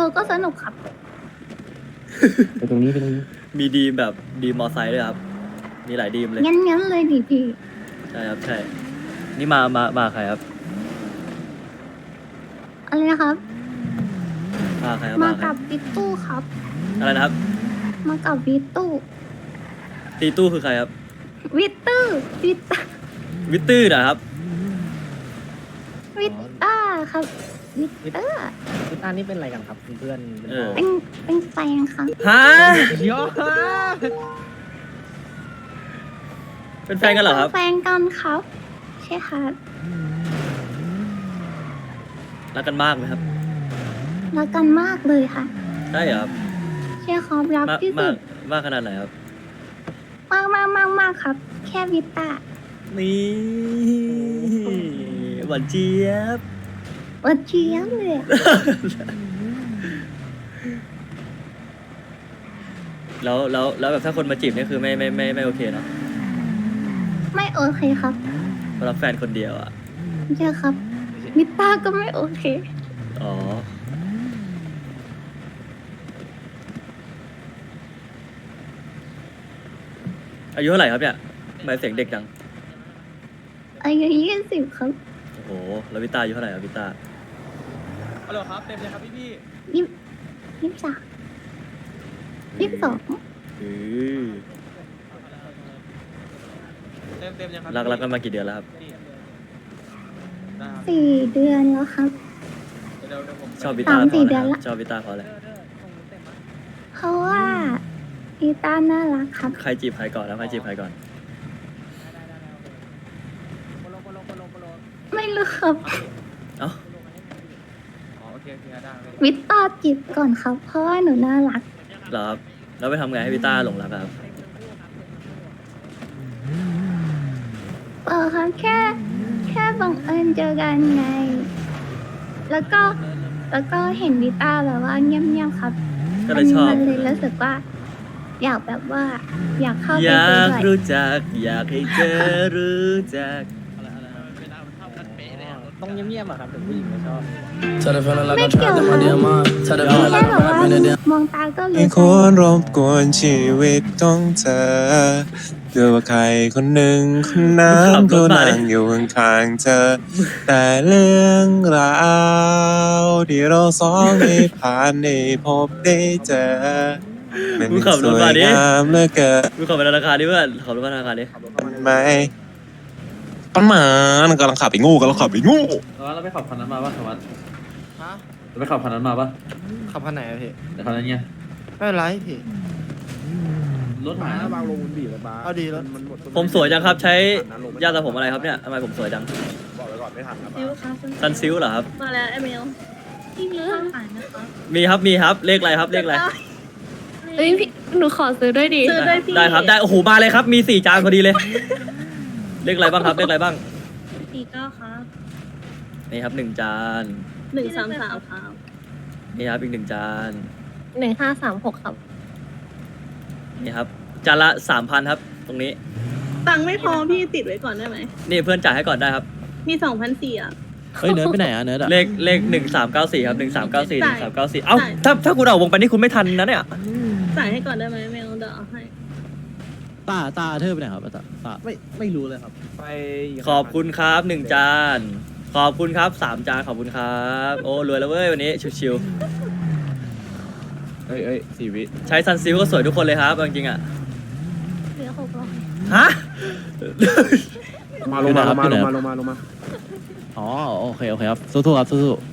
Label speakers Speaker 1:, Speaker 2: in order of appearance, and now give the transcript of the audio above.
Speaker 1: นูก็สนุกครับ
Speaker 2: ไปตรงนี้ไปตรงนี้
Speaker 3: มีดีมแบบดีมมอไซค์ด้วยครับ มีหลายดีมเลย
Speaker 1: งั้นเลยดิพี่
Speaker 3: ใช่ครับใช่ นี่มาใครครับ
Speaker 1: อะไรนะครับ
Speaker 3: มาใครครับ
Speaker 1: มา
Speaker 3: มาใคร
Speaker 1: กับวิตตู้ครับ
Speaker 3: อะไรนะครับ
Speaker 1: มากับวิตตู้
Speaker 3: ตีตู้คือใครครับ
Speaker 1: วิตตู้วิตต
Speaker 3: วิตตื้อนะครับ
Speaker 1: วิตต้าครับวิตเตอร์
Speaker 2: พี่ต้านี่เป็นอะไรกันครับเพื่อนๆเป็น
Speaker 3: เออ
Speaker 1: เป็นแฟนครับ
Speaker 3: ฮะ
Speaker 2: ยอ
Speaker 3: เป็นแฟนกันเหรอครับ
Speaker 1: แฟนกันครับ ใช่ครับ
Speaker 3: รักกันมากไหมครับ
Speaker 1: รักกันมากเลยค่ะ
Speaker 3: ใช่เหรอครับ
Speaker 1: ใช่ครับรัก
Speaker 3: มาก
Speaker 1: ที่
Speaker 3: มา
Speaker 1: สุ
Speaker 3: ก
Speaker 1: ด
Speaker 3: มากขนาดไหนครับ
Speaker 1: มากครับ แค่วิตต้า
Speaker 3: นี่หวานเจี๊ยบ
Speaker 1: วัดเชียงเลยอะ
Speaker 3: แล้วแบบถ้าคนมาจีบนี่คือไม่โอเคเนาะ
Speaker 1: ไม่โอเคครับ
Speaker 3: เพราะรักแฟนคนเดียวอ่ะ
Speaker 1: ใช่ครับวิตต้าก็ไม่โอเค
Speaker 3: อ๋อ อายุเท่าไหร่ครับเนี่ยทำไมเสียงเด็กจัง
Speaker 1: อายุ20ครับ
Speaker 3: โอ้โห แล้ววิตาอายุเท่าไหร่ครับวิตา
Speaker 4: ฮัลโหลครับ เต็มเลยครับพี่
Speaker 1: 23 22
Speaker 3: อือ
Speaker 4: เต็มยังครับ
Speaker 3: รักกันมากี่เดือนแล้วครับ
Speaker 4: ได้ครับ
Speaker 1: 4 เดือนแล้วครับ
Speaker 4: เดี๋ยวผม
Speaker 3: ชอบวิตา
Speaker 1: 3-4
Speaker 3: เพราะอะไร
Speaker 1: เดือน
Speaker 3: ค
Speaker 1: ละ
Speaker 3: รับชอบวิตาเพราะอะไร
Speaker 1: เพราะว่าวิตต้าน่ารักครับ
Speaker 3: ใครจีบใครก่อนแล้วใครจีบใครก่อน
Speaker 1: ไม่รู้ครับ
Speaker 3: เอ้า
Speaker 4: อ๋อโอเคได้
Speaker 1: วิตต้าจีบก่อนครับ เพราะว่าหนูน่ารัก
Speaker 3: เหรอครับ แล้วไปทำไงให้วิตาหลงรักอะครับ
Speaker 1: ครับแค่บังเอิญเจอกันไง แล้วก็เห็นวิตต้าแบบว่าเงียบๆครับ
Speaker 3: ก็เลยชอบ
Speaker 1: มันเลยรู้สึกว่า อยากแบบว่า อยากเข้า
Speaker 3: อ
Speaker 1: ไป
Speaker 3: ยา
Speaker 1: คุย
Speaker 3: ก
Speaker 1: ด้วย
Speaker 3: รู้จัก อยากให้เธอรู้จัก
Speaker 2: ต้องเงียบๆอะครับเดี๋ยวผู้หญิงไม่ชอบ
Speaker 1: ไม่เกี่ยวครับแค่แบบว่ามองตาก็รู้
Speaker 5: ไม่
Speaker 1: ใจ
Speaker 5: ควรรบกวนชีวิตของเธอเพื่อว่าใครคนหนึ่งคนนั้นก็นั่งอยู่ข้างๆเธอ แต่เรื่องราวที่เราสองได้ผ่านได้พบได้เจอมัน
Speaker 3: มึงขับร
Speaker 5: ส
Speaker 3: ถ
Speaker 5: วย
Speaker 3: มาดิ
Speaker 5: งามเหลือเกิน
Speaker 3: มึงขับไปธนาคารดิเพื่อนขับรถมาธนาคารดิ
Speaker 5: ไหมปันหมานกำลังขับไปงูกำลังขับไปงู
Speaker 6: เราไปขับคันนั้นมาป่ะสวัสดิ์
Speaker 7: ฮะ
Speaker 6: เราไปขับคันนั้นมาป่ะ
Speaker 7: ขับคันไหนอะพี่
Speaker 6: แต่คันนั้นไง
Speaker 7: ไม่เป็นไรพี่
Speaker 6: รถหาย
Speaker 2: บางลงมันบีบเลยบ้า
Speaker 7: เอาดีแล้ว
Speaker 3: ผมสวยจังครับ ใช้ยาสระผมอะไรครับเนี่ยทำไมผมสวยจัง
Speaker 2: บอกไว้ก่อนไม่ทันครับ
Speaker 8: ซิลครับ
Speaker 3: ซันซิลเหรอครับ
Speaker 8: มาแล้วเอเมลพี่มีข้าวขายนะคะ
Speaker 3: มีครับ เลขอะไรครับ เลขอะไร
Speaker 8: เฮ้ยพี่หนูขอซื้อด้วยดิซื้อด้วยพี่
Speaker 3: ได้ครับ ได้ โอ้โห มาเลยครับ มี4 จานพอดีเลย เลขอะไรบ้างครับ เลขอะไรบ้าง
Speaker 8: 49ครับ
Speaker 3: นี่ครับ1 จาน
Speaker 8: 133ครับ
Speaker 3: นี่ครับอีก1 จาน
Speaker 8: 1536ครับ
Speaker 3: นี่ครับ จานละ 3,000 ครับ ตรงนี้
Speaker 8: ตังค์ไม่พอพี่ติดไว้ก่อนได้ไหม
Speaker 3: นี่เพื่อนจ่ายให้ก่อนได้ครับ
Speaker 8: มี2,400อ่ะ
Speaker 7: เฮ้ยเนิร์ดไปไหนอะเนิร์ดอะ
Speaker 3: เลข1394ครับ1394
Speaker 8: จ่าย
Speaker 3: 1394เอ้า
Speaker 8: จ่าย
Speaker 3: ถ้าคุณออกวงไปนี่คุณไม่ทันนะเนี่ย
Speaker 8: จ่ายให้ก่อนได้ไหมเมลเดี๋ยวเอาให้
Speaker 7: ตาเธอไปไหนครับตา
Speaker 2: ไม่รู้เลยครับ ไป
Speaker 3: ขอบคุณครับ1 จาน ขอบคุณครับ3 จาน ขอบคุณครับ โอ้รวยแล้วเว้ยวันนี้ชิว
Speaker 6: เอ้ย4 วิ
Speaker 3: ๆใช้ซันซิลก็สวยทุกคนเลยครับเอาจริงๆอ่ะ
Speaker 1: เหลือ600
Speaker 3: ฮะ
Speaker 2: มาลงมา
Speaker 7: อ๋อโอเคครับสู้ๆครับสู้ๆ